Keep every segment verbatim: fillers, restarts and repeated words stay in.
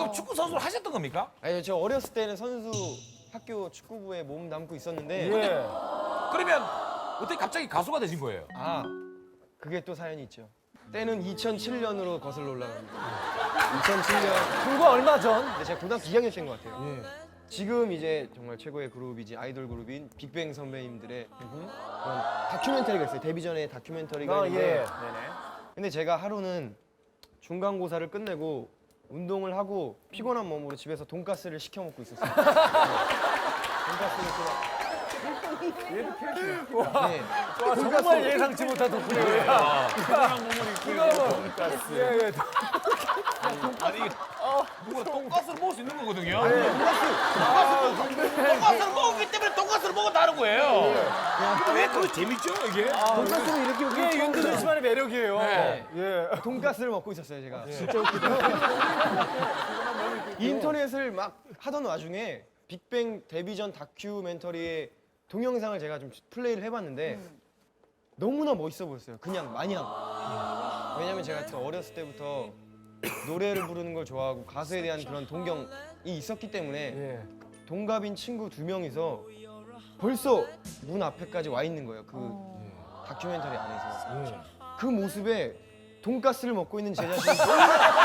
그럼 축구 선수를 하셨던 겁니까? 아니요, 저 어렸을 때는 선수 학교 축구부에 몸 담고 있었는데 예. 그러면 어떻게 갑자기 가수가 되신 거예요? 아, 그게 또 사연이 있죠. 때는 이천칠 년으로 거슬러 올라갑니다. 이천칠 년. 불과 얼마 전. 근데 제가 고등학교 이 학년 때인 것 같아요. 지금 이제 정말 최고의 그룹이지 아이돌 그룹인 빅뱅 선배님들의 그런 다큐멘터리가 있어요. 데뷔 전에 다큐멘터리가 아, 있는데 예. 네네. 근데 제가 하루는 중간고사를 끝내고 운동을 하고 피곤한 몸으로 집에서 돈가스를 시켜 먹고 있었어요. 네. 돈가스를 또 네. 와, 정말 예상치 못한 덕분에. 예, 예. 아니 이게 누가 돈가스를 먹을 수 있는 거거든요. 돈가스를 먹었기 때문에 돈가스를 먹었다는 거예요. 근데 왜 그거 재밌죠 이게? 돈가스는 이렇게 이게 윤두준 씨만의 매력이에요. 네. 예. 돈가스를 먹고 있었어요, 제가. 진짜 웃기다. 인터넷을 막 하던 와중에 빅뱅 데뷔 전 다큐멘터리의 동영상을 제가 좀 플레이를 해봤는데 너무나 멋있어 보였어요. 그냥 마냥. 왜냐면 제가 또 어렸을 때부터 노래를 부르는 걸 좋아하고 가수에 대한 그런 동경이 있었기 때문에 예. 동갑인 친구 두 명이서 벌써 문 앞에까지 와 있는 거예요. 그 다큐멘터리 안에서. 그 모습에 돈가스를 먹고 있는 제 자신이 너무나,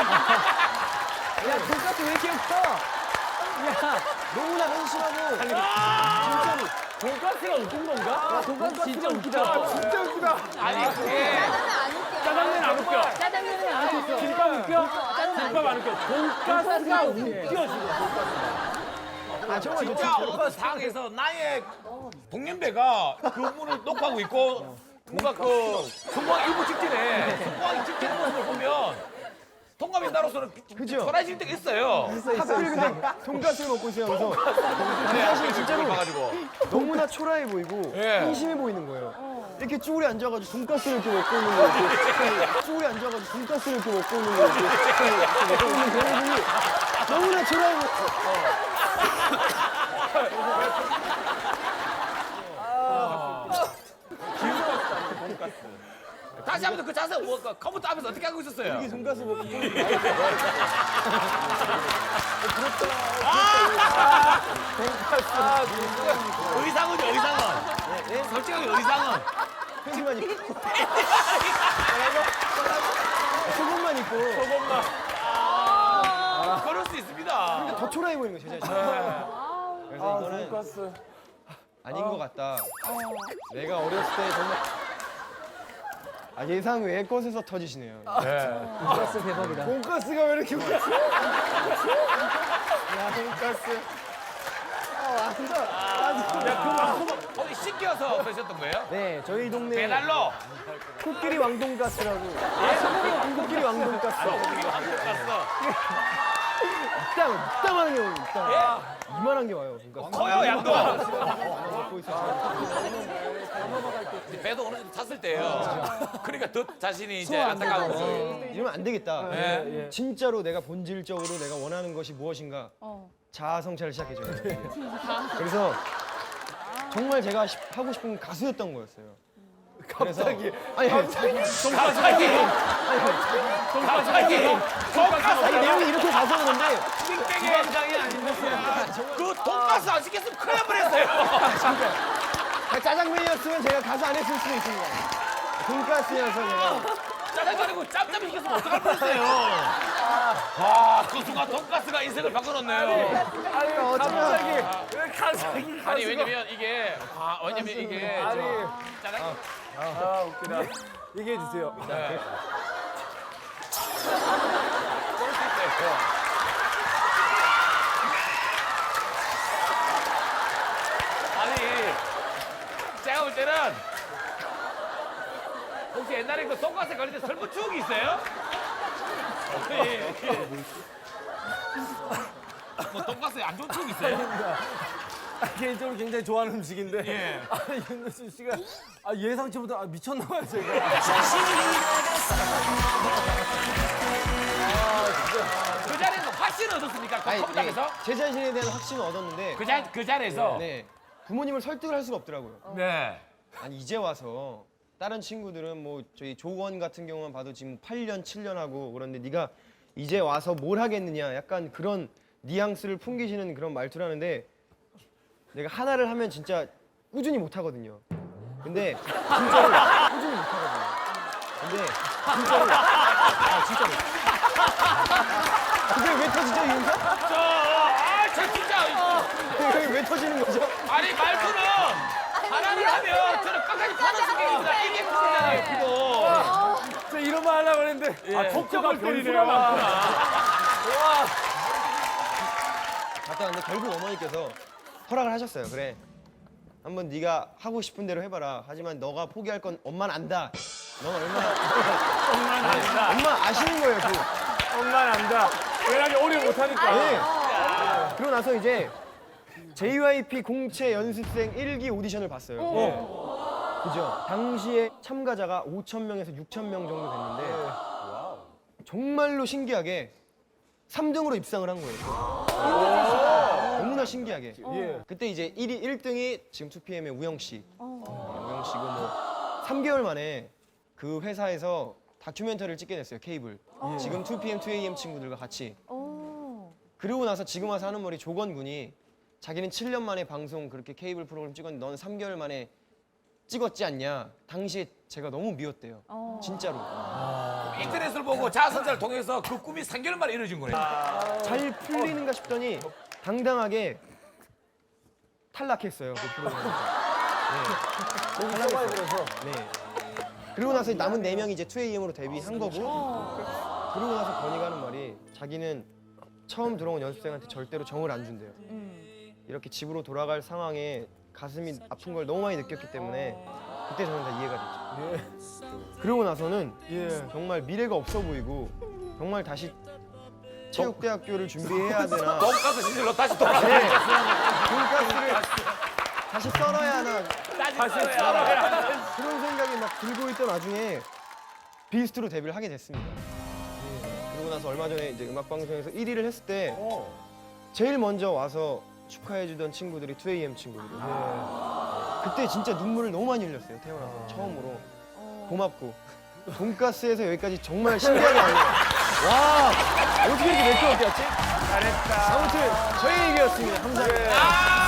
야, 돈가스 왜 이렇게 커? 야, 너무나 한심하고 진짜로. 돈가스가 웃긴 건가? 돈가스 진짜 웃기다. 진짜 웃기다. 아니 그게 짜장면 안 웃겨. 짜장면은 안 웃겨. 김밥 웃겨? 짜장면 김밥 안 웃겨. 돈가스가 웃겨, 지금. 아 정말 저 진짜 어떤 상에서 나의 동년배가 그 문을 녹화하고 있고 뭔가 그 성공하기 일부 직전에 성공하기 직전의 모습을 보면 동갑인 나로서는 그죠? 초라해질 때가 있어요. 하필 근데 돈가스를 먹고 있어요. 그래서 제 자신이 진짜로 가지고 너무나 초라해 보이고 예. 한심해 보이는 거예요. 이렇게 쭈그리 앉아가지고 돈가스를 이렇게 먹고 있는 거예요. 이렇게. 쭈그리 앉아가지고 돈가스를 이렇게 먹고 있는 거예요. 이렇게. 이렇게 먹고 있는 그 모습이 너무나 초라해 보여요. 다시 한번 그 자세 뭐 그 컴퓨터 앞에서 어떻게 하고 있었어요? 이게 돈가스 먹고 있는 의상은요 의상은 네? 솔직하게 의상은 팬티만 입고 속옷만 입고 그럴 수 있습니다. 더 초라해 보이는 거예요. 제 자신이. 그래서 이거는 돈가스. 아닌 것 같다. 내가 어렸을 때 정말 아, 예상 외의 것에서 터지시네요. 돈가스 대박이다. 돈가스가 왜 이렇게 웃겨? 야, 돈가스. 아, 진짜. 야 그럼 어디 시켜서 그러셨던 거예요? 네, 저희 동네 배달로 코끼리 왕돈가스라고. 아, 코끼리 왕돈가스. 갔어. 이따, 이따만한 게 와요. 이따. 이만한 게 와요. 돈가스. 커요 양도. 먹고 있어요. 배도 어느 정도 찼을 때예요. 그러니까 더 자신이 이제 안타까운 거죠. 이러면 안 되겠다. 예. 진짜로 내가 본질적으로 내가 원하는 것이 무엇인가 자아 성찰을 시작해줘요. 그래서 정말 제가 시- 하고 싶은 건 가수였던 거였어요. 갑자기. 아니, 갑자기 갑자기 아니 내용이 이렇게 가서는데 빅뱅의 현장이 아닌데 그 돈가스 안 시켰으면 큰일 날 뻔했어요. 짜장면이었으면 제가 가수 안 했을 수도 있습니다. 돈가스여서 제가 짜장면이고 짬짬이 시켰으면 어떡할 뻔했어요. 와, 그 순간 돈가스가 인생을 바꿔놓네요. 아니, 갑자기. 왜 갑자기. 아니 왜냐면 이게 아 왜냐면 이게 아니. 저 짜장 아, 웃기다. 얘기해 주세요. 네. 아니 제가 볼 때는 혹시 옛날에 그 돈가스 걸릴 때 슬픈 추억이 있어요? 아니, 뭐 돈가스에 안 좋은 추억 있어요? 아, 개인적으로 굉장히 좋아하는 음식인데. 예. 아니, 윤두준 씨가 아, 예상치 못한 아, 미쳤나 봐요, 제가. 그 자리에서 확신을 얻었습니까? 그 아니, 컴퓨터에서? 네, 제 자신에 대한 확신을 얻었는데 그, 자, 그 자리에서? 네, 부모님을 설득을 할 수가 없더라고요. 네. 아니 이제 와서 다른 친구들은 뭐 저희 조원 같은 경우만 봐도 지금 팔 년, 칠 년 하고 그런데 네가 이제 와서 뭘 하겠느냐 약간 그런 뉘앙스를 풍기시는 그런 말투라는데 내가 하나를 하면 진짜 꾸준히 못 하거든요. 근데 진짜로 꾸준히 못 하거든요. 근데 진짜로 아 진짜로. 그게 왜 터지죠 이 영상? 저, 아, 저 진짜. 그게 왜 터지는 거죠? 아니, 말투는 하나를 하면 저는 끝까지 타는 성격입니다. 이게 문제잖아요, 그거. 저 이런 말 하려고 했는데 아 토크가 변수가 많구나. 갔다 왔는데 결국 어머니께서 허락을 하셨어요. 그래. 한번 네가 하고 싶은 대로 해봐라. 하지만 너가 포기할 건 엄마는 안다. 넌 얼마나 엄마는 안다. 엄마 아시는 거예요. 그. 엄마는 안다. 왜냐면 오래 못하니까. 네. 그러고 나서 이제 제이와이피 공채 연습생 일 기 오디션을 봤어요. 네. 그죠? 당시에 참가자가 오천 명에서 육천 명 정도 됐는데 정말로 신기하게 삼 등으로 입상을 한 거예요. 너무나 신기하게. 그때 이제 일 위, 일 등이 지금 투피엠의 우영 씨. 네, 우영 씨고 뭐 삼 개월 만에 그 회사에서 다큐멘터리를 찍게 됐어요. 케이블. 지금 투피엠, 투에이엠 친구들과 같이. 그러고 나서 지금 와서 하는 말이 조건 군이 자기는 칠 년 만에 방송 그렇게 케이블 프로그램 찍었는데 넌 삼 개월 만에 찍었지 않냐. 당시에 제가 너무 미웠대요. 진짜로. 인터넷을 보고 자아선사를 통해서 그 꿈이 삼 개월 만에 이루어진 거네. 잘 풀리는가 싶더니 당당하게 탈락했어요. 그 프로그램에서. 네. 탈락했어요. 네. 그리고 나서 남은 네 명이 이제 투에이엠으로 데뷔한 거고 그러고 나서 건이가 하는 말이 자기는 처음 들어온 연습생한테 절대로 정을 안 준대요. 이렇게 집으로 돌아갈 상황에 가슴이 아픈 걸 너무 많이 느꼈기 때문에 그때 저는 다 이해가 됐죠. 그러고 나서는 정말 미래가 없어 보이고 정말 다시 체육대학교를 준비해야 되나 돈가스 시절로 다시 돌아가. 네. 돈가스를 다시 썰어야 하나 다시 썰어야. 그런 생각이 막 들고 있던 와중에 비스트로 데뷔를 하게 됐습니다. 네. 그러고 나서 얼마 전에 이제 음악방송에서 일 위를 했을 때 제일 먼저 와서 축하해주던 친구들이 투에이엠 친구들이에요. 그때 진짜 눈물을 너무 많이 흘렸어요. 태어나서 처음으로 고맙고 돈가스에서 여기까지 정말 신기하게 왔네요. 와 어떻게 이렇게 매끄럽게 왔지? 잘했다. 아무튼 저희 얘기였습니다. 감사합니다. 아,